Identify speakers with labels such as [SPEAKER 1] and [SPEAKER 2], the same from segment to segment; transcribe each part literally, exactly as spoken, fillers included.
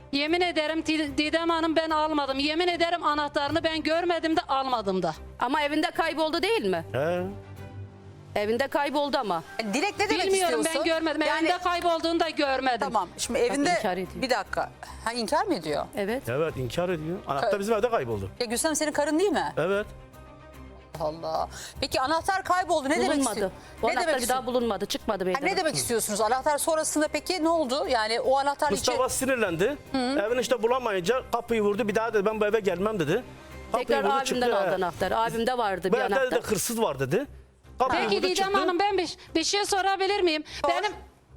[SPEAKER 1] Yemin ederim Didem Hanım ben almadım. Yemin ederim anahtarını ben görmedim de almadım da.
[SPEAKER 2] Ama evinde kayboldu değil mi?
[SPEAKER 3] He.
[SPEAKER 2] Evinde kayboldu ama.
[SPEAKER 4] Dilek ne demek
[SPEAKER 1] Bilmiyorum
[SPEAKER 4] istiyorsun?
[SPEAKER 1] ben görmedim.
[SPEAKER 4] Yani,
[SPEAKER 1] Evinde kaybolduğunu da görmedim.
[SPEAKER 4] tamam şimdi evinde
[SPEAKER 2] inkar ediyor.
[SPEAKER 4] bir dakika. Ha inkar mı ediyor?
[SPEAKER 2] Evet.
[SPEAKER 3] Evet inkar ediyor. Anahtar bizim evde kayboldu.
[SPEAKER 4] Ya Gülsem senin karın değil mi?
[SPEAKER 3] Evet.
[SPEAKER 4] Allah. Peki anahtar kayboldu ne demek
[SPEAKER 2] Bulunmadı.
[SPEAKER 4] istiyorsun?
[SPEAKER 2] Bu
[SPEAKER 4] Ne
[SPEAKER 2] anahtar
[SPEAKER 4] demek
[SPEAKER 2] bir daha
[SPEAKER 4] istiyorsun?
[SPEAKER 2] bulunmadı. Çıkmadı
[SPEAKER 4] Ha,
[SPEAKER 2] meydana.
[SPEAKER 4] ne demek istiyorsunuz? Anahtar sonrasında peki ne oldu? Yani o anahtar
[SPEAKER 3] Mustafa
[SPEAKER 4] içi...
[SPEAKER 3] sinirlendi. Evini işte bulamayınca kapıyı vurdu. Bir daha dedi ben bu eve gelmem dedi. Kapıyı
[SPEAKER 2] Tekrar
[SPEAKER 3] vurdu,
[SPEAKER 2] abimden
[SPEAKER 3] çıktı.
[SPEAKER 2] aldı
[SPEAKER 3] He.
[SPEAKER 2] anahtarı. Abimde vardı
[SPEAKER 3] Bu
[SPEAKER 2] bir
[SPEAKER 3] evde de
[SPEAKER 2] anahtar.
[SPEAKER 3] hırsız var dedi. Kapıyı
[SPEAKER 1] Peki
[SPEAKER 3] vurdu,
[SPEAKER 1] Didem
[SPEAKER 3] çıktı.
[SPEAKER 1] Hanım ben bir, bir şey sorabilir miyim?
[SPEAKER 4] Sor.
[SPEAKER 1] Benim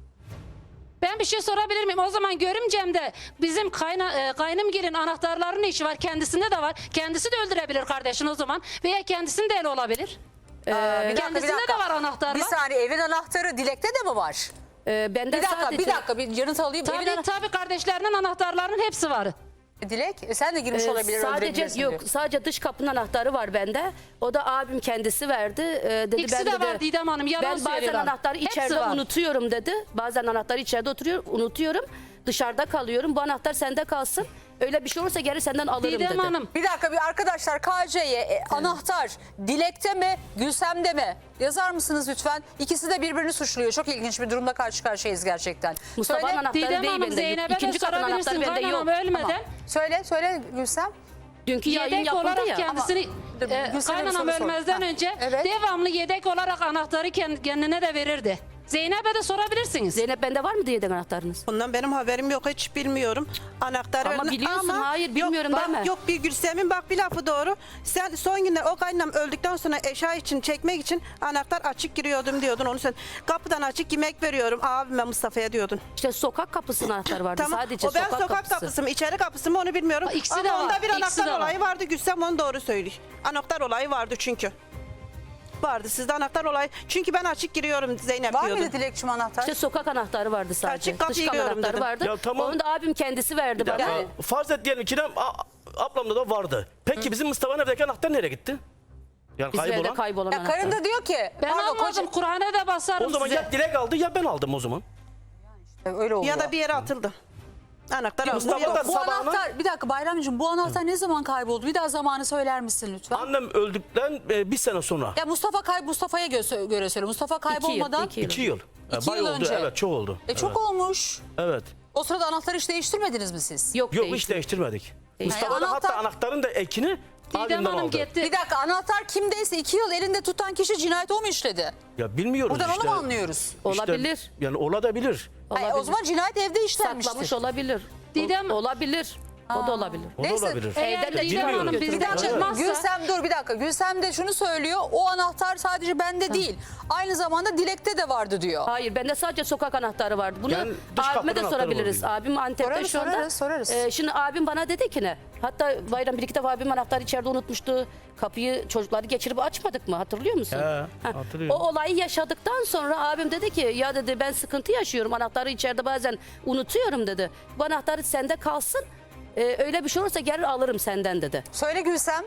[SPEAKER 1] ben bir şey sorabilir miyim? O zaman görümcemde bizim kayna, e, kaynımgilin anahtarlarının işi var. Kendisinde de var. Kendisi de öldürebilir kardeşin o zaman. Veya kendisinin de eli olabilir.
[SPEAKER 4] Aa, bir dakika, bir
[SPEAKER 1] kendisinde
[SPEAKER 4] dakika.
[SPEAKER 1] de var anahtarlar.
[SPEAKER 4] Bir saniye evin anahtarı Dilek'te de mi var?
[SPEAKER 2] Ee, bende
[SPEAKER 4] Bir dakika
[SPEAKER 2] sadece...
[SPEAKER 4] bir dakika bir yanıt alayım. Evin
[SPEAKER 1] Tabii
[SPEAKER 4] ana-
[SPEAKER 1] tabii kardeşlerinin anahtarlarının hepsi var.
[SPEAKER 4] Dilek e, sen de girmiş
[SPEAKER 2] Ee,
[SPEAKER 4] olabilir
[SPEAKER 2] sadece
[SPEAKER 4] öldürebilirsin
[SPEAKER 2] yok
[SPEAKER 4] diyor.
[SPEAKER 2] sadece dış kapının anahtarı var bende. O da abim kendisi verdi. Ee, dedi
[SPEAKER 1] İkisi
[SPEAKER 2] ben
[SPEAKER 1] de
[SPEAKER 2] dedi,
[SPEAKER 1] var Didem Hanım, yalan
[SPEAKER 2] ben bazen
[SPEAKER 1] söylüyorlar.
[SPEAKER 2] anahtarı
[SPEAKER 1] Hepsi
[SPEAKER 2] içeride
[SPEAKER 1] var.
[SPEAKER 2] unutuyorum dedi. Bazen anahtarı içeride oturuyor unutuyorum. Dışarıda kalıyorum. Bu anahtar sende kalsın. Öyle bir şey olursa geri senden alırım
[SPEAKER 1] Didem
[SPEAKER 2] dedi.
[SPEAKER 1] Hanım.
[SPEAKER 4] Bir dakika bir arkadaşlar K C'ye e, anahtar Dilek'te mi Gülsem'de mi? Yazar mısınız lütfen? İkisi de birbirini suçluyor. Çok ilginç bir durumda karşı karşıyayız gerçekten.
[SPEAKER 2] Mustafa'nın
[SPEAKER 4] Söyle,
[SPEAKER 2] anahtarı
[SPEAKER 1] Didem
[SPEAKER 2] değil
[SPEAKER 1] Hanım
[SPEAKER 2] bende.
[SPEAKER 1] Zeynep'e de
[SPEAKER 2] İkinci kapının anahtarı
[SPEAKER 1] sorabilirsin.
[SPEAKER 2] bende yok.
[SPEAKER 1] Kaynanam ölmeden
[SPEAKER 4] Tamam. Söyle söyle Gülsem.
[SPEAKER 2] Dünkü yayın
[SPEAKER 1] yedek
[SPEAKER 2] yapıldı
[SPEAKER 1] olarak
[SPEAKER 2] ya.
[SPEAKER 1] kendisini
[SPEAKER 4] Dur,
[SPEAKER 1] e,
[SPEAKER 4] Gülsem'e bir
[SPEAKER 1] kaynanam
[SPEAKER 4] soru sor.
[SPEAKER 1] ölmezden
[SPEAKER 4] Ha,
[SPEAKER 1] önce
[SPEAKER 4] evet.
[SPEAKER 1] devamlı yedek olarak anahtarı kend- kendine de verirdi. Zeynep'e de sorabilirsiniz.
[SPEAKER 2] Zeynep bende var mı diye de anahtarınız?
[SPEAKER 5] Bundan benim haberim yok, hiç bilmiyorum. Anahtarı
[SPEAKER 2] Ama
[SPEAKER 5] verdim.
[SPEAKER 2] biliyorsun, hayır, bilmiyorum
[SPEAKER 5] yok,
[SPEAKER 2] deme.
[SPEAKER 5] bak, yok bir Gülsem'in bak bir lafı doğru. Sen son günler o kaynam öldükten sonra eşya için çekmek için anahtar açık giriyordum diyordun. Onu sen kapıdan açık yemek veriyorum abime Mustafa'ya diyordun.
[SPEAKER 2] İşte sokak kapısının anahtarı vardı.
[SPEAKER 5] Tamam.
[SPEAKER 2] Sadece
[SPEAKER 5] o ben
[SPEAKER 2] sokak,
[SPEAKER 5] sokak,
[SPEAKER 2] kapısı.
[SPEAKER 5] kapısı mı içeri kapısı mı onu bilmiyorum.
[SPEAKER 1] Ha, ikisi
[SPEAKER 5] Ama
[SPEAKER 1] de var,
[SPEAKER 5] onda bir
[SPEAKER 1] ikisi
[SPEAKER 5] anahtar
[SPEAKER 1] de var.
[SPEAKER 5] olayı vardı. Gülsem onu doğru söylüyor. Anahtar olayı vardı çünkü. Vardı sizde anahtar olayı. Çünkü ben açık giriyorum Zeynep
[SPEAKER 4] Var
[SPEAKER 5] diyordun.
[SPEAKER 4] mıydı Dilekçim anahtar?
[SPEAKER 2] İşte sokak anahtarı vardı sadece.
[SPEAKER 5] Açık kapıyı
[SPEAKER 2] Dış kapı
[SPEAKER 5] görüyorum
[SPEAKER 2] anahtarı
[SPEAKER 5] dedim.
[SPEAKER 2] vardı.
[SPEAKER 3] Ya tamam.
[SPEAKER 2] Onu da abim kendisi verdi bana.
[SPEAKER 3] Ya, farz et diyelim ki de, a- ablamda da vardı. Peki bizim Mustafa'nın evdeki anahtar nereye gitti? Yani
[SPEAKER 2] Bizim evde
[SPEAKER 3] kaybolan.
[SPEAKER 2] kaybolan
[SPEAKER 4] Ya
[SPEAKER 2] anahtar.
[SPEAKER 4] karın da diyor ki
[SPEAKER 1] Ben
[SPEAKER 4] pardon,
[SPEAKER 1] almadım.
[SPEAKER 4] koca-
[SPEAKER 1] Kur'an'a da basarım
[SPEAKER 3] O zaman
[SPEAKER 1] size.
[SPEAKER 3] ya Dilek aldı ya ben aldım o zaman.
[SPEAKER 4] öyle oluyor.
[SPEAKER 5] Ya da bir yere atıldı. Anahtar aldı.
[SPEAKER 3] Mustafa
[SPEAKER 5] Yok.
[SPEAKER 3] da
[SPEAKER 4] Bu
[SPEAKER 3] sabahına-
[SPEAKER 4] anahtar bir dakika Bayramcığım bu anahtar ne zaman kayboldu? Bir daha zamanı söyler misin lütfen?
[SPEAKER 3] Annem öldükten e, bir sene sonra.
[SPEAKER 4] Ya Mustafa kay Mustafa'ya gö- göre söyle. Mustafa
[SPEAKER 2] İki yıl,
[SPEAKER 4] kaybolmadan
[SPEAKER 2] iki yıl.
[SPEAKER 3] İki yıl. E,
[SPEAKER 4] İki
[SPEAKER 3] bayağı
[SPEAKER 4] yıl
[SPEAKER 3] oldu.
[SPEAKER 4] önce.
[SPEAKER 3] Evet çok oldu.
[SPEAKER 4] E çok
[SPEAKER 3] evet.
[SPEAKER 4] olmuş.
[SPEAKER 3] Evet.
[SPEAKER 4] O sırada anahtarı hiç değiştirmediniz mi siz?
[SPEAKER 2] Yok,
[SPEAKER 3] Yok
[SPEAKER 2] değil.
[SPEAKER 3] hiç değiştirmedik. Mustafa
[SPEAKER 4] Yani
[SPEAKER 3] da hatta
[SPEAKER 4] anahtar-
[SPEAKER 3] anahtarın da ekini
[SPEAKER 1] Didem
[SPEAKER 3] abimden
[SPEAKER 1] Hanım
[SPEAKER 3] aldı.
[SPEAKER 1] gitti.
[SPEAKER 4] Bir dakika anahtar kimdeyse iki yıl elinde tutan kişi cinayet o mu işledi?
[SPEAKER 3] Ya bilmiyoruz
[SPEAKER 4] Buradan
[SPEAKER 3] işte.
[SPEAKER 4] onu mu anlıyoruz?
[SPEAKER 3] İşte,
[SPEAKER 2] Olabilir.
[SPEAKER 3] yani olabilir.
[SPEAKER 4] Hayır,
[SPEAKER 2] Olabilir.
[SPEAKER 4] o zaman cinayet evde işlenmiştir.
[SPEAKER 2] Saklamış olabilir.
[SPEAKER 1] Didem-
[SPEAKER 2] O- olabilir. O da olabilir.
[SPEAKER 3] O da
[SPEAKER 4] Neyse,
[SPEAKER 3] olabilir.
[SPEAKER 1] Eğer
[SPEAKER 2] Evden de
[SPEAKER 1] Didem
[SPEAKER 3] bilmiyorum.
[SPEAKER 1] Hanım
[SPEAKER 4] Bir
[SPEAKER 1] bizden
[SPEAKER 4] dakika
[SPEAKER 1] çıkmazsa
[SPEAKER 4] Gülsem dur bir dakika. Gülsem de şunu söylüyor. O anahtar sadece bende değil. Aynı zamanda Dilek'te de vardı diyor.
[SPEAKER 2] Hayır bende sadece sokak anahtarı vardı. Bunu
[SPEAKER 3] Yani dış
[SPEAKER 2] abime
[SPEAKER 3] kapının
[SPEAKER 2] de
[SPEAKER 3] anahtarı
[SPEAKER 2] sorabiliriz.
[SPEAKER 3] var
[SPEAKER 2] Abim Antep'te
[SPEAKER 4] Sorarız,
[SPEAKER 2] şu anda.
[SPEAKER 4] sorarız, sorarız.
[SPEAKER 2] Ee, şimdi abim bana dedi ki ne? Hatta bayram bir iki defa abim anahtarı içeride unutmuştu. Kapıyı çocukları geçirip açmadık mı? Hatırlıyor musun?
[SPEAKER 3] He,
[SPEAKER 2] Ha,
[SPEAKER 3] hatırlıyorum.
[SPEAKER 2] O olayı yaşadıktan sonra abim dedi ki ya dedi ben sıkıntı yaşıyorum. Anahtarı içeride bazen unutuyorum dedi. Bu anahtarı sende kalsın. Ee, öyle bir şey olursa gelir alırım senden dedi.
[SPEAKER 4] Söyle Gülsem.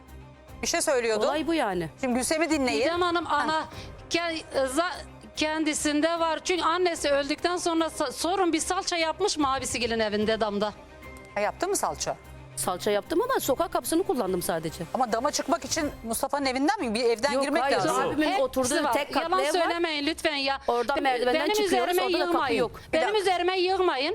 [SPEAKER 4] Bir şey söylüyordu.
[SPEAKER 2] Olay bu yani.
[SPEAKER 4] Şimdi Gülsem'i dinleyin.
[SPEAKER 1] Didem Hanım ana ke- za- kendisinde var. Çünkü annesi öldükten sonra sa- sorun bir salça yapmış mı abisigilin evinde damda.
[SPEAKER 4] Ha, yaptın mı salça?
[SPEAKER 2] Salça yaptım ama sokak kapısını kullandım sadece.
[SPEAKER 4] Ama dama çıkmak için Mustafa'nın evinden mi? Bir evden
[SPEAKER 2] Yok,
[SPEAKER 4] girmek
[SPEAKER 2] hayır,
[SPEAKER 4] lazım.
[SPEAKER 2] abi. Abimin
[SPEAKER 1] Hepsi
[SPEAKER 2] oturduğu
[SPEAKER 1] var.
[SPEAKER 2] tek katlı
[SPEAKER 1] Yalan
[SPEAKER 2] ev var.
[SPEAKER 1] söylemeyin lütfen ya.
[SPEAKER 2] Oradan
[SPEAKER 1] Be-
[SPEAKER 2] merdivenden
[SPEAKER 1] Benim
[SPEAKER 2] çıkıyoruz,
[SPEAKER 1] üzerime
[SPEAKER 2] orada da kapı
[SPEAKER 1] yığmayın.
[SPEAKER 2] yok.
[SPEAKER 4] Bir
[SPEAKER 1] Benim
[SPEAKER 4] dakika.
[SPEAKER 1] üzerime yığmayın.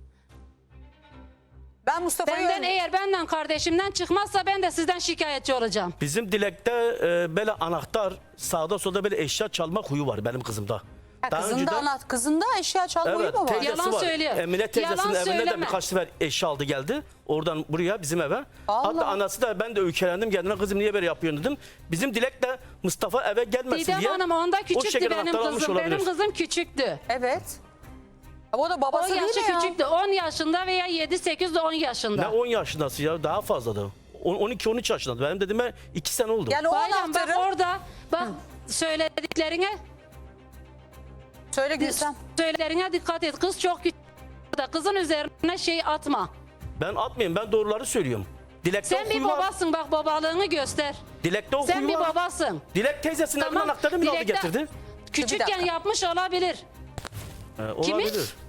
[SPEAKER 4] Ben Mustafa'yı
[SPEAKER 1] Benden
[SPEAKER 4] öldü-
[SPEAKER 1] eğer benden kardeşimden çıkmazsa ben de sizden şikayetçi olacağım.
[SPEAKER 3] Bizim Dilek'te e, böyle anahtar sağda solda böyle eşya çalma huyu var benim kızımda.
[SPEAKER 4] Ha,
[SPEAKER 3] Daha
[SPEAKER 4] kızında,
[SPEAKER 3] önceden-
[SPEAKER 4] anlat, kızında eşya çalma huyu
[SPEAKER 3] Evet,
[SPEAKER 4] mu var?
[SPEAKER 3] teyzesi
[SPEAKER 1] Yalan
[SPEAKER 3] var.
[SPEAKER 1] söylüyor.
[SPEAKER 3] Emine teyzesinin
[SPEAKER 1] Yalan
[SPEAKER 3] evine de
[SPEAKER 1] söyleme.
[SPEAKER 3] birkaç sefer eşya aldı geldi. Oradan buraya bizim eve.
[SPEAKER 4] Allah.
[SPEAKER 3] Hatta anası da ben de öykülendim kendine kızım niye böyle yapıyorsun dedim. Bizim Dilek de Mustafa eve gelmesin
[SPEAKER 1] Didem
[SPEAKER 3] diye.
[SPEAKER 1] Hanım onda
[SPEAKER 3] o
[SPEAKER 1] küçüktü
[SPEAKER 3] şekilde
[SPEAKER 1] benim
[SPEAKER 3] anahtar almış
[SPEAKER 1] kızım.
[SPEAKER 3] olabilir.
[SPEAKER 1] Benim kızım küçüktü.
[SPEAKER 4] Evet. Ama o da
[SPEAKER 1] O
[SPEAKER 4] babası değil
[SPEAKER 1] yaşı
[SPEAKER 4] mi ya?
[SPEAKER 1] küçüktü. on yaşında veya yedi sekiz de on
[SPEAKER 3] Ne
[SPEAKER 1] yaşında.
[SPEAKER 3] on yaşındası ya daha fazla da. on iki on üç yaşında. Benim dediğime iki sene oldu.
[SPEAKER 4] Yani o
[SPEAKER 1] Bayram bak
[SPEAKER 4] anahtarı...
[SPEAKER 1] orada bak söylediklerine
[SPEAKER 4] Söyle Gülsem.
[SPEAKER 1] söylediklerine dikkat et. Kız çok küçük. Kızın üzerine şey atma.
[SPEAKER 3] Ben atmayayım ben doğruları söylüyorum. Dilek'te
[SPEAKER 1] Sen
[SPEAKER 3] o
[SPEAKER 1] bir
[SPEAKER 3] huyu var.
[SPEAKER 1] babasın bak babalığını göster.
[SPEAKER 3] Dilek'te o
[SPEAKER 1] Sen
[SPEAKER 3] huyu
[SPEAKER 1] bir
[SPEAKER 3] var.
[SPEAKER 1] babasın.
[SPEAKER 3] Dilek teyzesinin evinin anahtarını bile aldı
[SPEAKER 1] Dilek'te
[SPEAKER 3] getirdi.
[SPEAKER 4] Bir
[SPEAKER 1] Küçükken
[SPEAKER 4] dakika.
[SPEAKER 1] yapmış olabilir.
[SPEAKER 3] Ee,
[SPEAKER 1] Kimi?
[SPEAKER 3] olabilir.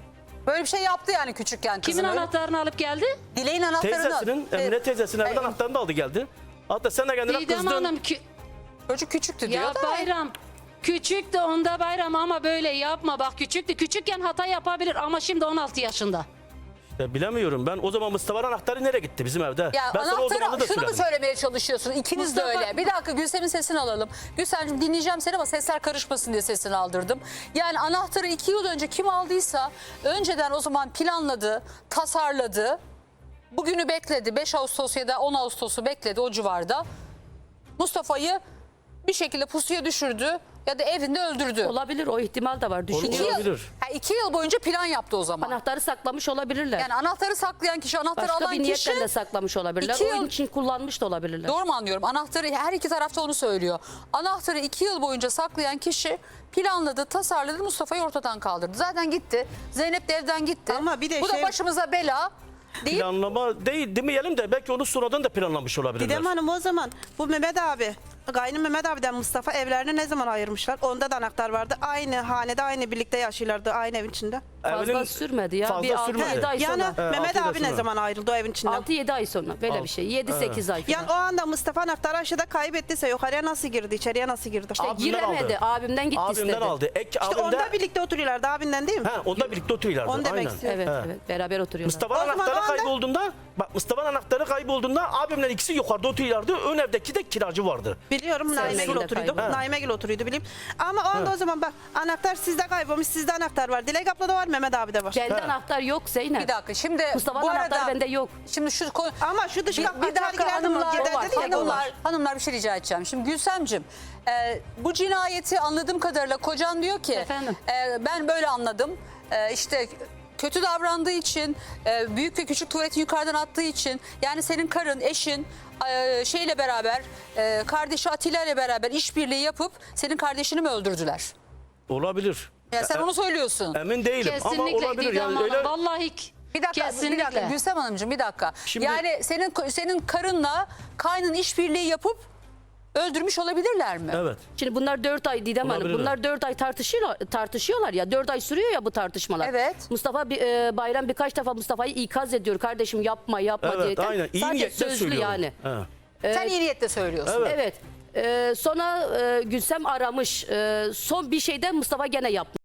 [SPEAKER 4] Böyle bir şey yaptı yani küçükken kızın.
[SPEAKER 1] Kimin
[SPEAKER 4] öyle.
[SPEAKER 1] anahtarını alıp geldi?
[SPEAKER 4] Dileğin anahtarını.
[SPEAKER 3] Teyzesinin, Emine teyzesinin evden
[SPEAKER 4] e,
[SPEAKER 3] anahtarını da aldı geldi. Hatta sen de kendine
[SPEAKER 1] Didem
[SPEAKER 3] kızdın.
[SPEAKER 1] Hanım kü-
[SPEAKER 4] Çocuk küçüktü diyor
[SPEAKER 1] ya
[SPEAKER 4] da.
[SPEAKER 1] bayram. Küçük de onda bayram ama böyle yapma. Bak küçüktü. Küçükken hata yapabilir ama şimdi on altı yaşında.
[SPEAKER 3] Ya bilemiyorum ben o zaman Mustafa'nın anahtarı nereye gitti bizim evde?
[SPEAKER 4] Ya
[SPEAKER 3] ben sana o zaman
[SPEAKER 4] anahtara
[SPEAKER 3] da
[SPEAKER 4] şunu mu
[SPEAKER 3] söyledim.
[SPEAKER 4] söylemeye çalışıyorsun? İkiniz de
[SPEAKER 1] Mustafa-
[SPEAKER 4] öyle. Bir dakika Gülsem'in sesini alalım. Gülsemciğim dinleyeceğim seni ama sesler karışmasın diye sesini aldırdım. Yani anahtarı iki yıl önce kim aldıysa önceden o zaman planladı, tasarladı. Bugünü bekledi. beş Ağustos ya da on Ağustos'u bekledi o civarda. Mustafa'yı bir şekilde pusuya düşürdü ya da evinde öldürdü.
[SPEAKER 2] Olabilir, o ihtimal de var.
[SPEAKER 4] İki
[SPEAKER 2] Düşünüyorum.
[SPEAKER 4] yıl,
[SPEAKER 3] Olabilir.
[SPEAKER 4] ha, iki yıl boyunca plan yaptı o zaman.
[SPEAKER 2] Anahtarı saklamış olabilirler.
[SPEAKER 4] Yani anahtarı saklayan kişi, anahtarı
[SPEAKER 2] Başka
[SPEAKER 4] alan
[SPEAKER 2] bir
[SPEAKER 4] kişi...
[SPEAKER 2] niyetle de saklamış olabilirler.
[SPEAKER 4] iki
[SPEAKER 2] Oyun
[SPEAKER 4] yıl-
[SPEAKER 2] için kullanmış da olabilirler.
[SPEAKER 4] Doğru mu anlıyorum? Anahtarı her iki tarafta onu söylüyor. Anahtarı iki yıl boyunca saklayan kişi planladı, tasarladı, Mustafa'yı ortadan kaldırdı. Zaten gitti. Zeynep de evden gitti.
[SPEAKER 5] Ama bir de
[SPEAKER 4] Bu
[SPEAKER 5] şey-
[SPEAKER 4] da başımıza bela deyip
[SPEAKER 3] Planlama değil demeyelim de belki onu sonradan da planlamış olabilirler.
[SPEAKER 5] Didem Hanım o zaman bu Mehmet abi, Gaynı Mehmet abiden Mustafa evlerini ne zaman ayırmışlar? Onda da anahtar vardı. Aynı hanede, aynı birlikte yaşıyorlardı, aynı evin içinde.
[SPEAKER 2] Fazla
[SPEAKER 3] Evinin-
[SPEAKER 2] sürmedi ya.
[SPEAKER 3] Fazla
[SPEAKER 2] Bir altı
[SPEAKER 3] sürmedi.
[SPEAKER 2] yedi ay
[SPEAKER 5] Yani
[SPEAKER 2] sonra.
[SPEAKER 5] Mehmet
[SPEAKER 3] altı
[SPEAKER 5] abi
[SPEAKER 3] yıl
[SPEAKER 5] ne
[SPEAKER 3] sonra.
[SPEAKER 5] zaman ayrıldı o evin içinden?
[SPEAKER 2] altı yedi ay sonra böyle bir şey. yedi sekiz ay falan.
[SPEAKER 5] Yani o anda Mustafa anahtarı aşağıda kaybettiyse yukarıya nasıl girdi, içeriye nasıl girdi?
[SPEAKER 2] İşte
[SPEAKER 3] Abimden
[SPEAKER 2] giremedi.
[SPEAKER 3] aldı.
[SPEAKER 2] Abimden gitti
[SPEAKER 3] Abimden
[SPEAKER 2] istedi.
[SPEAKER 3] aldı. Ek
[SPEAKER 5] İşte
[SPEAKER 3] abimden,
[SPEAKER 5] onda birlikte oturuyorlardı abinden değil mi?
[SPEAKER 3] he, onda birlikte oturuyorlardı.
[SPEAKER 5] Onu demek
[SPEAKER 3] aynen.
[SPEAKER 5] istiyorum.
[SPEAKER 2] Evet
[SPEAKER 3] He.
[SPEAKER 2] evet. Beraber oturuyorlar.
[SPEAKER 3] Mustafa'nın
[SPEAKER 5] O zaman
[SPEAKER 3] anahtarı
[SPEAKER 5] o anda-
[SPEAKER 3] kaybolduğunda, bak Mustafa'nın anahtarı kaybolduğunda abimle ikisi yukarıda oturuyorlardı. Ön evdeki de kiracı vardı.
[SPEAKER 5] Biliyorum Naime Gül
[SPEAKER 2] Gül
[SPEAKER 5] oturuyordu.
[SPEAKER 2] kayboldu.
[SPEAKER 5] Naime Gül oturuyordu bileyim. Ama o anda o zaman bak anahtar sizde kaybolmuş, sizde anahtar var. Dilek ablada var, Mehmet abi de var.
[SPEAKER 2] Bende anahtar yok Zeynep.
[SPEAKER 4] bir dakika şimdi
[SPEAKER 2] Mustafa'nın
[SPEAKER 4] bu
[SPEAKER 2] anahtarı
[SPEAKER 4] arada
[SPEAKER 2] bende yok.
[SPEAKER 4] şimdi şu konu
[SPEAKER 5] Ama şu dış
[SPEAKER 4] bir,
[SPEAKER 5] kapı
[SPEAKER 4] bir
[SPEAKER 5] açar
[SPEAKER 4] dakika
[SPEAKER 5] girerdim,
[SPEAKER 4] hanımlar,
[SPEAKER 5] gider
[SPEAKER 2] o var,
[SPEAKER 5] dedi ya, o
[SPEAKER 4] hanımlar,
[SPEAKER 5] var.
[SPEAKER 4] hanımlar bir şey rica edeceğim. Şimdi Gülsemcim e, bu cinayeti anladığım kadarıyla kocan diyor ki
[SPEAKER 1] Efendim?
[SPEAKER 4] e, ben böyle anladım. E, işte kötü davrandığı için, e, büyük ve küçük tuvaleti yukarıdan attığı için, yani senin karın, eşin e, şeyle beraber, e, kardeşi Atilla ile beraber işbirliği yapıp senin kardeşini mi öldürdüler?
[SPEAKER 3] Olabilir.
[SPEAKER 4] Ya sen
[SPEAKER 3] E-
[SPEAKER 4] onu söylüyorsun.
[SPEAKER 3] Emin değilim ama
[SPEAKER 1] Kesinlikle
[SPEAKER 3] olabilir
[SPEAKER 1] Didem
[SPEAKER 3] yani
[SPEAKER 1] Hanım.
[SPEAKER 3] öyle.
[SPEAKER 1] Vallahi k-
[SPEAKER 4] Bir dakika,
[SPEAKER 1] kesinlikle.
[SPEAKER 4] bir dakika Gülsem Hanımcığım bir dakika.
[SPEAKER 3] Şimdi-
[SPEAKER 4] Yani senin senin karınla kaynın işbirliği yapıp öldürmüş olabilirler mi?
[SPEAKER 3] Evet.
[SPEAKER 2] Şimdi bunlar dört ay Didem Hanım.
[SPEAKER 3] Olabilir.
[SPEAKER 2] Bunlar dört ay tartışıyorlar, tartışıyorlar ya. dört ay sürüyor ya bu tartışmalar.
[SPEAKER 4] Evet.
[SPEAKER 2] Mustafa bir- e, Bayram birkaç defa Mustafa'yı ikaz ediyor. Kardeşim yapma yapma
[SPEAKER 3] Evet,
[SPEAKER 2] diye.
[SPEAKER 3] aynen. İyi
[SPEAKER 2] Sadece
[SPEAKER 3] niyetle
[SPEAKER 2] sözlü
[SPEAKER 3] söylüyorum.
[SPEAKER 2] yani.
[SPEAKER 3] He.
[SPEAKER 4] Sen iyi niyetle söylüyorsun.
[SPEAKER 3] Evet.
[SPEAKER 2] Evet. Ee, sonra e, Gülsem aramış. Ee, son bir şeyde Mustafa gene yapmış.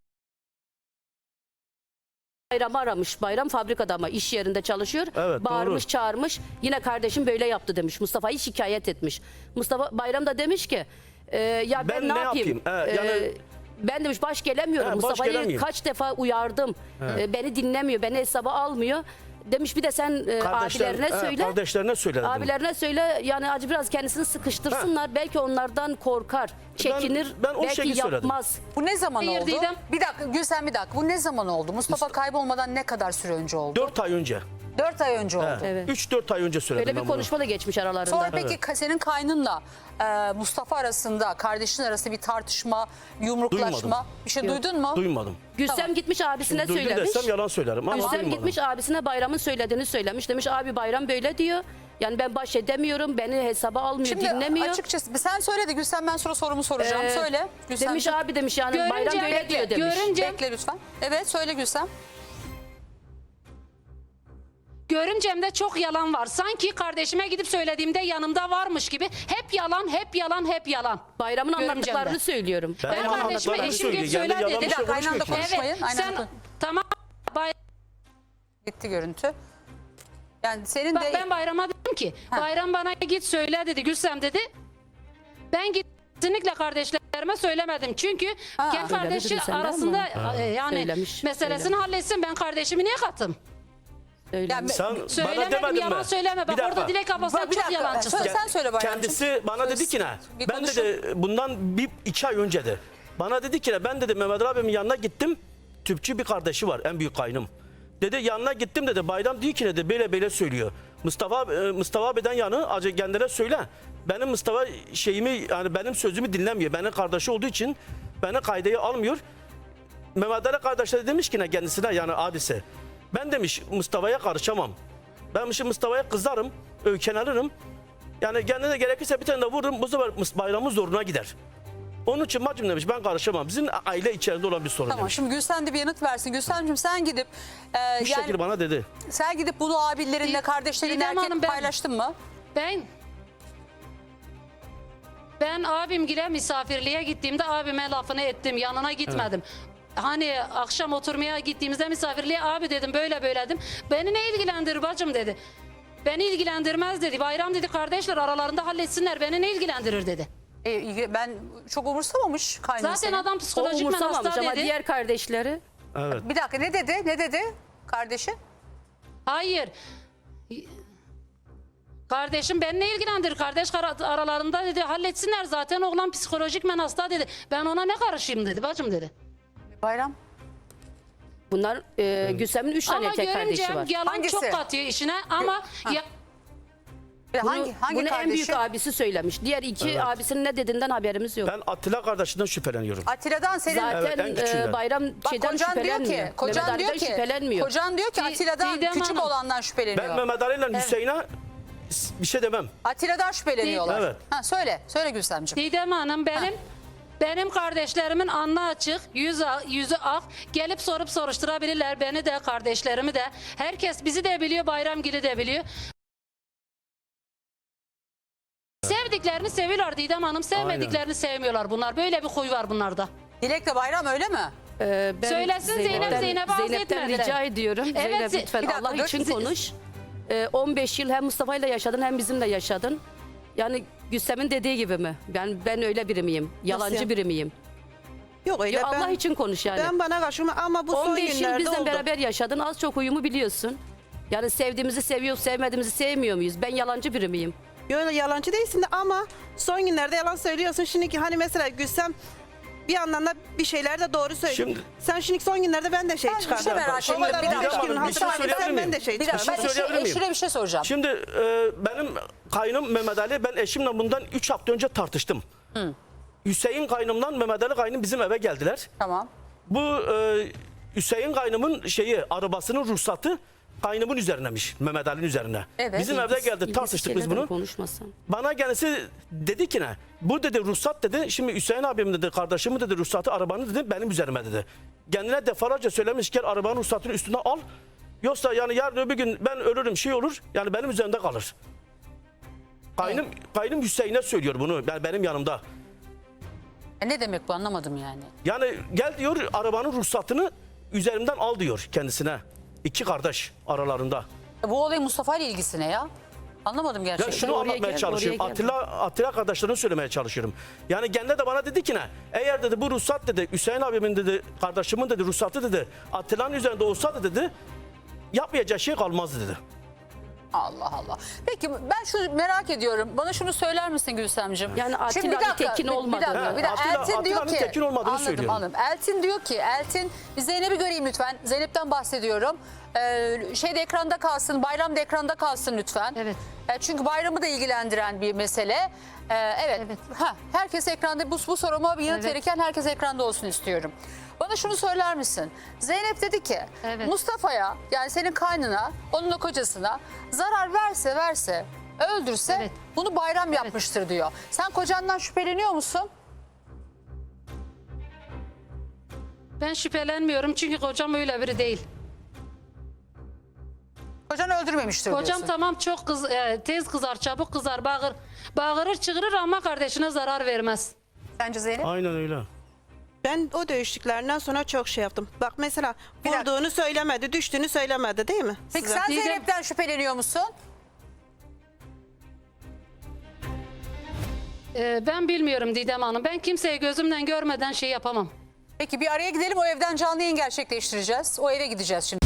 [SPEAKER 2] Bayram'ı aramış. Bayram fabrikada ama iş yerinde çalışıyor.
[SPEAKER 3] Evet,
[SPEAKER 2] Bağırmış,
[SPEAKER 3] doğru.
[SPEAKER 2] çağırmış. Yine kardeşim böyle yaptı demiş. Mustafa'yı şikayet etmiş. Mustafa Bayram da demiş ki e, ya ben,
[SPEAKER 3] Ben
[SPEAKER 2] ne
[SPEAKER 3] ne
[SPEAKER 2] yapayım?
[SPEAKER 3] yapayım? Ee, yani-
[SPEAKER 2] Ee, ben demiş baş gelemiyorum.
[SPEAKER 3] He, baş
[SPEAKER 2] Mustafa'yı
[SPEAKER 3] gelemiyorum.
[SPEAKER 2] kaç defa uyardım. Ee, beni dinlemiyor. Beni hesaba almıyor. Demiş bir de sen e,
[SPEAKER 3] Kardeşler-
[SPEAKER 2] abilerine
[SPEAKER 3] he,
[SPEAKER 2] söyle.
[SPEAKER 3] Kardeşlerine söyledim.
[SPEAKER 2] Abilerine söyle yani acı biraz kendisini sıkıştırsınlar. Belki onlardan korkar, çekinir,
[SPEAKER 3] ben o
[SPEAKER 2] belki
[SPEAKER 3] şekilde söyledim.
[SPEAKER 2] yapmaz.
[SPEAKER 4] Bu ne zaman
[SPEAKER 1] Hayır,
[SPEAKER 4] oldu?
[SPEAKER 1] Didem.
[SPEAKER 4] Bir dakika Gülsem bir dakika. Bu ne zaman oldu? Mustafa kaybolmadan ne kadar süre önce oldu?
[SPEAKER 3] dört ay önce.
[SPEAKER 4] Dört ay önce oldu.
[SPEAKER 2] Evet.
[SPEAKER 3] üç dört ay önce söyledim
[SPEAKER 2] Öyle bir
[SPEAKER 3] ben bunu.
[SPEAKER 2] konuşma da geçmiş aralarında.
[SPEAKER 4] Sonra peki ka- senin kaynınla e, Mustafa arasında, kardeşin arasında bir tartışma, yumruklaşma
[SPEAKER 3] Duymadım.
[SPEAKER 4] bir şey
[SPEAKER 2] Yok.
[SPEAKER 4] duydun mu?
[SPEAKER 3] Duymadım.
[SPEAKER 2] Gürsem
[SPEAKER 4] Tamam.
[SPEAKER 2] gitmiş abisine
[SPEAKER 3] Duydum
[SPEAKER 2] söylemiş.
[SPEAKER 3] desem yalan söylerim ama
[SPEAKER 2] Gürsem
[SPEAKER 3] duymadım.
[SPEAKER 2] gitmiş abisine Bayram'ın söylediğini söylemiş. Demiş abi Bayram böyle diyor. Yani ben baş edemiyorum, beni hesaba almıyor,
[SPEAKER 4] Şimdi
[SPEAKER 2] dinlemiyor.
[SPEAKER 4] açıkçası sen söyle de Gülsem ben sonra sorumu soracağım.
[SPEAKER 2] Ee,
[SPEAKER 4] söyle. Gülsem.
[SPEAKER 2] Demiş abi demiş yani
[SPEAKER 1] Görünce-
[SPEAKER 2] Bayram böyle diyor demiş.
[SPEAKER 1] Görünce-
[SPEAKER 4] Bekle lütfen. Evet söyle Gülsem.
[SPEAKER 1] Görümcemde çok yalan var. Sanki kardeşime gidip söylediğimde yanımda varmış gibi. Hep yalan, hep yalan, hep yalan.
[SPEAKER 2] Bayram'ın
[SPEAKER 1] Görümcemde.
[SPEAKER 2] anlattıklarını söylüyorum.
[SPEAKER 3] Ben
[SPEAKER 1] Ben
[SPEAKER 3] ama
[SPEAKER 1] kardeşime
[SPEAKER 3] anlatmalarını
[SPEAKER 1] eşim git
[SPEAKER 3] söylüyor.
[SPEAKER 1] söyle
[SPEAKER 3] Yani yalan
[SPEAKER 1] dedi.
[SPEAKER 3] bir şey
[SPEAKER 4] Bir dakika, aynı anda
[SPEAKER 3] konuşmuyor ki.
[SPEAKER 4] konuşmayın.
[SPEAKER 1] Evet,
[SPEAKER 4] Aynen
[SPEAKER 1] sen
[SPEAKER 4] öyle.
[SPEAKER 1] tamam. Bay-
[SPEAKER 4] Gitti görüntü. Yani senin
[SPEAKER 1] Bak
[SPEAKER 4] de
[SPEAKER 1] ben Bayram'a dedim ki,
[SPEAKER 4] Ha.
[SPEAKER 1] Bayram bana git söyle dedi, Gülsem dedi. Ben git kesinlikle kardeşlerime söylemedim. Çünkü
[SPEAKER 4] Ha.
[SPEAKER 1] kendi
[SPEAKER 2] Söylemedi
[SPEAKER 1] kardeşi
[SPEAKER 2] Gülsem'den
[SPEAKER 1] arasında
[SPEAKER 2] mi?
[SPEAKER 1] e, yani
[SPEAKER 2] Söylemiş,
[SPEAKER 1] meselesini
[SPEAKER 2] söylemiş.
[SPEAKER 1] halletsin. Ben kardeşimi niye kattım?
[SPEAKER 2] Öyle.
[SPEAKER 4] Yani-
[SPEAKER 3] Sen bana
[SPEAKER 1] Söylemedim,
[SPEAKER 3] demedin
[SPEAKER 1] yalan
[SPEAKER 3] mi?
[SPEAKER 1] söyleme.
[SPEAKER 3] Bir
[SPEAKER 1] Bak
[SPEAKER 3] dakika.
[SPEAKER 1] orada Dilek abla sen
[SPEAKER 4] Bir
[SPEAKER 1] çok
[SPEAKER 4] dakika,
[SPEAKER 1] yalancısın.
[SPEAKER 4] söyle. Sen söyle Bayramcığım.
[SPEAKER 3] Kendisi bana
[SPEAKER 4] Söz-
[SPEAKER 3] dedi ki ne?
[SPEAKER 4] bir
[SPEAKER 3] Ben
[SPEAKER 4] konuşun.
[SPEAKER 3] dedi bundan bir iki ay önce de. Bana dedi ki ne? Ben dedi Mehmet abimin yanına gittim. Tüpçü bir kardeşi var, en büyük kaynım. Dedi yanına gittim dedi. Bayram diyor ki ne dedi böyle böyle söylüyor. Mustafa e, Mustafa abiden yanı acı kendine söyle. Benim Mustafa şeyimi yani benim sözümü dinlemiyor. Benim kardeşi olduğu için beni kaydeye almıyor. Mehmet Ali kardeşler demiş ki ne kendisine yani abisi. Ben demiş Mustafa'ya karışamam. Ben demiş Mustafa'ya kızarım, öykünelirim. Yani kendine gerekirse bir tane de vururum. Bu sefer Mus- Bayram'ın zoruna gider. Onun için bacım demiş ben karışamam. Bizim aile içerisinde olan bir sorun
[SPEAKER 4] Tamam,
[SPEAKER 3] demiş.
[SPEAKER 4] şimdi Gülsen de bir yanıt versin. Gülsen'cim sen gidip e,
[SPEAKER 3] Bu
[SPEAKER 4] yani
[SPEAKER 3] şekilde bana dedi.
[SPEAKER 4] sen gidip bunu abilerinle,
[SPEAKER 1] Didem
[SPEAKER 4] kardeşlerinle
[SPEAKER 1] Hanım,
[SPEAKER 4] erkek
[SPEAKER 1] ben-
[SPEAKER 4] paylaştın mı?
[SPEAKER 1] Ben ben abimgile misafirliğe gittiğimde abime lafını ettim. Yanına gitmedim. Hani akşam oturmaya gittiğimizde misafirliğe abi dedim böyle böyle dedim. Beni ne ilgilendirir bacım dedi. Beni ilgilendirmez dedi. Bayram dedi kardeşler aralarında halletsinler. Beni ne ilgilendirir dedi.
[SPEAKER 4] E, ben çok umursamamış kaynım
[SPEAKER 1] Zaten
[SPEAKER 4] seni.
[SPEAKER 1] adam
[SPEAKER 2] O
[SPEAKER 1] psikolojik
[SPEAKER 2] umursamamış
[SPEAKER 1] hasta
[SPEAKER 2] ama
[SPEAKER 1] dedi.
[SPEAKER 2] diğer kardeşleri
[SPEAKER 3] Evet.
[SPEAKER 4] Bir dakika, ne dedi? Ne dedi kardeşi?
[SPEAKER 1] Hayır. Kardeşim beni ne ilgilendirir? Kardeş ara- aralarında dedi halletsinler. Zaten oğlan psikolojik men hasta dedi. Ben ona ne karışayım dedi bacım dedi.
[SPEAKER 4] Bayram.
[SPEAKER 2] bunlar e, Gülsem'in üç tane
[SPEAKER 1] Ama
[SPEAKER 2] erkek kardeşi
[SPEAKER 1] görümcem
[SPEAKER 2] var.
[SPEAKER 1] yalan
[SPEAKER 4] Hangisi?
[SPEAKER 1] çok katıyor işine ama ya,
[SPEAKER 4] Ve
[SPEAKER 2] Bunu,
[SPEAKER 4] hangi hangi
[SPEAKER 2] bunu en
[SPEAKER 4] kardeşi?
[SPEAKER 2] büyük abisi söylemiş. Diğer iki
[SPEAKER 3] Evet.
[SPEAKER 2] abisinin ne dediğinden haberimiz yok.
[SPEAKER 3] Ben Atilla kardeşinden şüpheleniyorum.
[SPEAKER 4] Atilla'dan senin
[SPEAKER 2] Zaten
[SPEAKER 3] Evet, en küçüğünden.
[SPEAKER 2] e, Bayram
[SPEAKER 4] Bak,
[SPEAKER 2] şeyden
[SPEAKER 4] kocan diyor
[SPEAKER 2] şüphelenmiyor.
[SPEAKER 4] ki, kocan
[SPEAKER 2] Mehmet
[SPEAKER 4] diyor
[SPEAKER 2] Ali'den
[SPEAKER 4] ki,
[SPEAKER 2] şüphelenmiyor.
[SPEAKER 4] kocan diyor ki
[SPEAKER 1] Di-
[SPEAKER 4] Atilla'dan
[SPEAKER 1] Didem
[SPEAKER 4] küçük
[SPEAKER 1] Hanım.
[SPEAKER 4] olandan şüpheleniyor.
[SPEAKER 3] Ben Mehmet Ali ile Hüseyin'e bir şey demem.
[SPEAKER 4] Atilla'dan şüpheleniyorlar.
[SPEAKER 3] Evet.
[SPEAKER 4] Ha, söyle, söyle Gülsemciğim.
[SPEAKER 1] Didem Hanım benim benim kardeşlerimin alnı açık, yüzü, yüzü ak. Gelip sorup soruşturabilirler. Beni de, kardeşlerimi de. Herkes bizi de biliyor, Bayramgil'i de biliyor. Sevdiklerini seviyorlar Didem Hanım. Sevmediklerini sevmiyorlar bunlar. Böyle bir huy var bunlarda.
[SPEAKER 4] Dilek'le Bayram öyle mi?
[SPEAKER 2] Ee, ben
[SPEAKER 1] Söylesin Zeynep, Zeynep'e az
[SPEAKER 2] Zeynep'ten
[SPEAKER 1] etmediler.
[SPEAKER 2] rica ediyorum.
[SPEAKER 1] Evet,
[SPEAKER 2] Zeynep
[SPEAKER 1] Ze-
[SPEAKER 2] lütfen
[SPEAKER 4] Bir dakika,
[SPEAKER 2] Allah
[SPEAKER 4] dur.
[SPEAKER 2] için
[SPEAKER 4] Ze-
[SPEAKER 2] konuş. Ee, on beş yıl hem Mustafa'yla yaşadın hem bizimle yaşadın. Yani Gülsem'in dediği gibi mi? Ben ben öyle biri miyim? Yalancı
[SPEAKER 5] yani?
[SPEAKER 2] biri miyim?
[SPEAKER 5] Yok öyle
[SPEAKER 2] Ya
[SPEAKER 5] ben,
[SPEAKER 2] Allah için konuş yani.
[SPEAKER 5] ben bana karşıma ama bu son
[SPEAKER 2] on beş yıl
[SPEAKER 5] günlerde
[SPEAKER 2] bizle
[SPEAKER 5] oldu.
[SPEAKER 2] beraber yaşadın. Az çok uyumu biliyorsun. Yani sevdiğimizi seviyor, sevmediğimizi sevmiyor muyuz? Ben yalancı biri miyim?
[SPEAKER 5] Yok yalancı değilsin de ama son günlerde yalan söylüyorsun. Şimdiki hani mesela Gülsem bir yandan da bir şeyler de doğru söylüyor.
[SPEAKER 3] Şimdi-
[SPEAKER 5] Sen şimdi son günlerde ben de şey
[SPEAKER 4] Ben bir
[SPEAKER 5] çıkardım.
[SPEAKER 4] şey merak
[SPEAKER 3] Şimdi
[SPEAKER 4] ediyorum. Bir
[SPEAKER 3] Didem
[SPEAKER 4] dakika.
[SPEAKER 3] Hanım, bir şey
[SPEAKER 5] hatırlarsan
[SPEAKER 3] söyleyebilir
[SPEAKER 5] ben de
[SPEAKER 3] miyim?
[SPEAKER 5] şey
[SPEAKER 4] Bir dakika,
[SPEAKER 5] çıkardım.
[SPEAKER 4] ben
[SPEAKER 3] şey söyleyebilir
[SPEAKER 4] eşine,
[SPEAKER 3] miyim?
[SPEAKER 4] eşine bir şey soracağım.
[SPEAKER 3] Şimdi e, benim kaynım Mehmet Ali, ben eşimle bundan üç hafta önce tartıştım. Hüseyin kaynımdan Mehmet Ali kaynım bizim eve geldiler.
[SPEAKER 4] Tamam.
[SPEAKER 3] Bu e, Hüseyin kaynımın şeyi, arabasının ruhsatı kaynımın üzerinemiş. Mehmet Ali'nin üzerine.
[SPEAKER 4] Evet.
[SPEAKER 3] Bizim evde geldi,
[SPEAKER 2] İlgisiz
[SPEAKER 3] tartıştık biz
[SPEAKER 2] şeylerden
[SPEAKER 3] bunu.
[SPEAKER 2] Konuşmasan.
[SPEAKER 3] Bana kendisi dedi ki ne? Bu dedi ruhsat dedi. Şimdi Hüseyin abim dedi, kardeşimi dedi ruhsatı arabanı dedi benim üzerime dedi. Kendine defalarca söylemiş gel arabanın ruhsatını üstüne al. Yoksa yani yarın öbür gün ben ölürüm şey olur yani benim üzerimde kalır. Kaynım, kaynım Hüseyin'e söylüyor bunu yani benim yanımda.
[SPEAKER 4] E, ne demek bu, anlamadım yani.
[SPEAKER 3] Yani gel diyor arabanın ruhsatını üzerimden al diyor kendisine. İki kardeş aralarında.
[SPEAKER 4] E, bu olayın Mustafa ile ilgisi ne ya? Anlamadım
[SPEAKER 3] Ya
[SPEAKER 4] gerçekten.
[SPEAKER 3] şunu
[SPEAKER 2] oraya
[SPEAKER 3] anlatmaya
[SPEAKER 2] gel,
[SPEAKER 3] çalışıyorum.
[SPEAKER 2] oraya gel.
[SPEAKER 3] Atilla, Atilla kardeşlerine söylemeye çalışıyorum. Yani kendine de bana dedi ki ne? Eğer dedi bu ruhsat dedi Hüseyin abimin dedi kardeşimin dedi ruhsatı dedi Atilla'nın üzerinde olsaydı dedi yapmayacağı şey kalmazdı dedi.
[SPEAKER 4] Allah Allah. Peki ben şunu merak ediyorum. Bana şunu söyler misin Gülsemciğim?
[SPEAKER 2] Yani Atilla
[SPEAKER 4] Şimdi bir
[SPEAKER 2] bir
[SPEAKER 4] dakika,
[SPEAKER 2] tekin
[SPEAKER 4] bir- Bir
[SPEAKER 2] olmadığını.
[SPEAKER 4] dakika, bir dakika.
[SPEAKER 3] Atilla-
[SPEAKER 4] Eltin diyor
[SPEAKER 3] Atilla'nın
[SPEAKER 4] ki.
[SPEAKER 3] tekin olmadığını
[SPEAKER 4] anladım,
[SPEAKER 3] söylüyorum.
[SPEAKER 4] anladım. Eltin diyor ki, Eltin bir Zeynep'i göreyim lütfen. Zeynep'ten bahsediyorum. Ee, şeyde ekranda kalsın, Bayram da ekranda kalsın lütfen.
[SPEAKER 1] Evet.
[SPEAKER 4] E, çünkü Bayram'ı da ilgilendiren bir mesele. Ee, evet.
[SPEAKER 1] Evet.
[SPEAKER 4] Ha, herkes ekranda, bu, bu soruma bir yanıt
[SPEAKER 1] Evet.
[SPEAKER 4] verirken herkes ekranda olsun istiyorum. Bana şunu söyler misin? Zeynep dedi ki
[SPEAKER 1] Evet.
[SPEAKER 4] Mustafa'ya, yani senin kaynına, onunla kocasına zarar verse verse, öldürse
[SPEAKER 1] Evet.
[SPEAKER 4] bunu Bayram yapmıştır diyor. Sen kocandan şüpheleniyor musun?
[SPEAKER 1] Ben şüphelenmiyorum çünkü kocam öyle biri değil.
[SPEAKER 4] Kocan öldürmemiştir
[SPEAKER 1] Kocam
[SPEAKER 4] diyorsun.
[SPEAKER 1] tamam çok kız, e, tez kızar, çabuk kızar, bağır, bağırır, çığırır ama kardeşine zarar vermez.
[SPEAKER 4] Sence Zeynep?
[SPEAKER 3] Aynen öyle.
[SPEAKER 5] Ben o dövüştüklerinden sonra çok şey yaptım. Bak mesela
[SPEAKER 4] Bir dakika.
[SPEAKER 5] vurduğunu söylemedi, düştüğünü söylemedi değil mi?
[SPEAKER 4] Peki
[SPEAKER 5] size?
[SPEAKER 4] sen
[SPEAKER 1] Didem-
[SPEAKER 4] Zeynep'ten şüpheleniyor musun?
[SPEAKER 1] E, ben bilmiyorum Didem Hanım. Ben kimseyi gözümden görmeden şey yapamam.
[SPEAKER 4] Peki bir araya gidelim, o evden canlı yayın gerçekleştireceğiz. O eve gideceğiz şimdi.